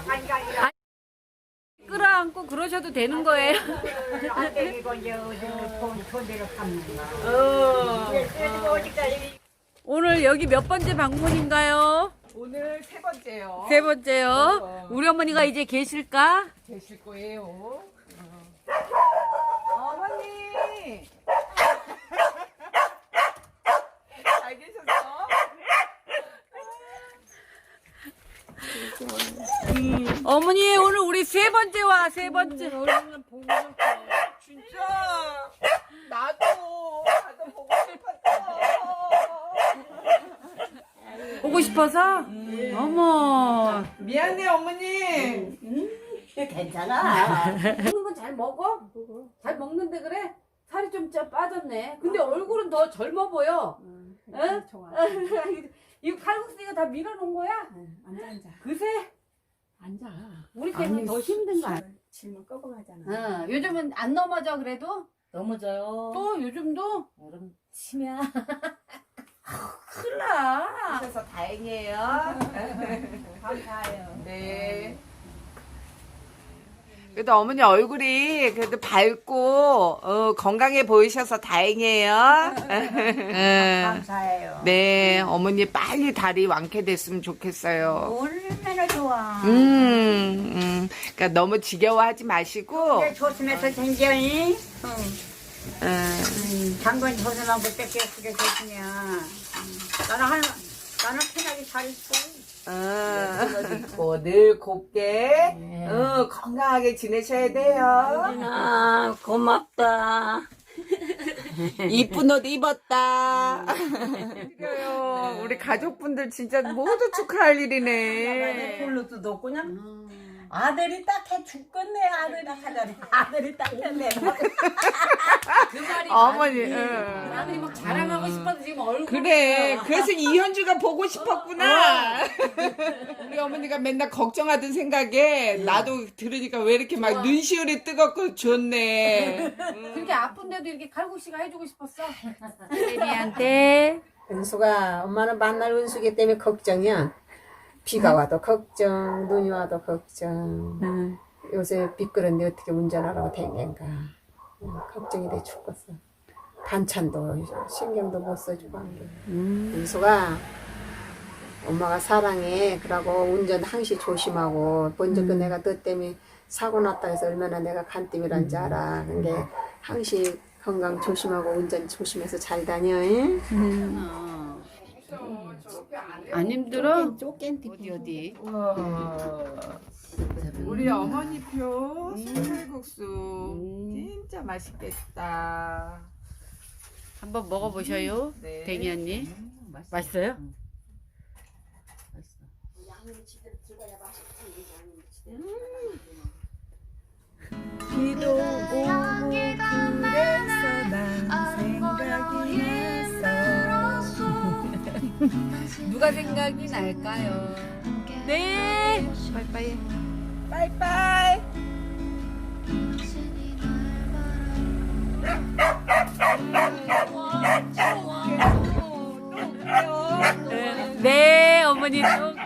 끌어안고 그러셔도 되는 거예요. 안 되고 이제 돈대로 갚는 오늘 여기 몇 번째 방문인가요? 오늘 세 번째요. 세 번째요. 우리 어머니가 이제 계실까? 되실 거예요. 어머니. 잘 계셨어? 어머니 오늘 우리 세 번째 와, 세 번째. 진짜. 나도 보고 싶었어. 보고 싶어서? 어머. 미안해 어머니. 괜찮아. 먹는 건 잘 먹어? 잘 먹는데 그래? 살이 좀 빠졌네. 근데 얼굴은 더 젊어 보여. 응? 좋아. 이거 칼국수가 다 밀어놓은 거야? 앉아. 그새? 앉아. 우리 때문에 더 힘든 거 아니야? 질문 꺾어가잖아. 응. 요즘은 안 넘어져 그래도? 넘어져요. 또 요즘도? 얼음 치면 큰일 나. 하셔서 다행이에요. 감사해요. 네. 그래도 어머니 얼굴이 그래도 밝고 건강해 보이셔서 다행이에요. 감사해요. 네, 어머니 빨리 다리 완쾌됐으면 좋겠어요. 얼마나 좋아. 그러니까 너무 지겨워하지 마시고. 조심해서 생겨니. 음, 장관 조선하고 뺏겨 쓰게 되시냐. 나는 편하게 잘 있어. 있고 늘 곱게 건강하게 지내셔야 돼요. 아, 고맙다. 이쁜 옷 입었다. 그래요. 우리 가족분들 진짜 모두 축하할 일이네. 폴로도 넣고냐? 아들이 딱해 죽겠네. 아들이 하자니. 아들이 딱했네. 그 말이 어머니, 맞지. 나는 막 자랑하고 싶어서 지금 얼굴. 그래. 그래서 이현주가 보고 싶었구나. 우리 어머니가 맨날 걱정하던 생각에 나도 들으니까 왜 이렇게 막 눈시울이 뜨겁고 좋네. 그렇게 아픈데도 이렇게 칼국수가 해주고 싶었어. 애미한테. 은수가 엄마는 만날 은수기 때문에 걱정이야. 비가 와도 걱정, 눈이 와도 걱정. 요새 미끄러운데 어떻게 운전하라고 댕긴가. 걱정이 돼 죽겠어. 반찬도 신경도 못 써주고 한 게. 은수가 엄마가 사랑해. 그러고 운전 항시 조심하고. 먼저 그 내가 너 때문에 사고 났다 해서 얼마나 내가 간땜이란지 알아. 근데 항시 건강 조심하고 운전 조심해서 잘 다녀. 안 힘들어? 어디. 우리 어머니표 순살국수 진짜 맛있겠다. 한번 먹어보셔요. 네. 댕이 언니. 맛있어요? 비도 오고 그래서 난 생각이 났어. 누가 생각이 날까요? 네. 빠이빠이. 빠이빠이. 네, 어머니 또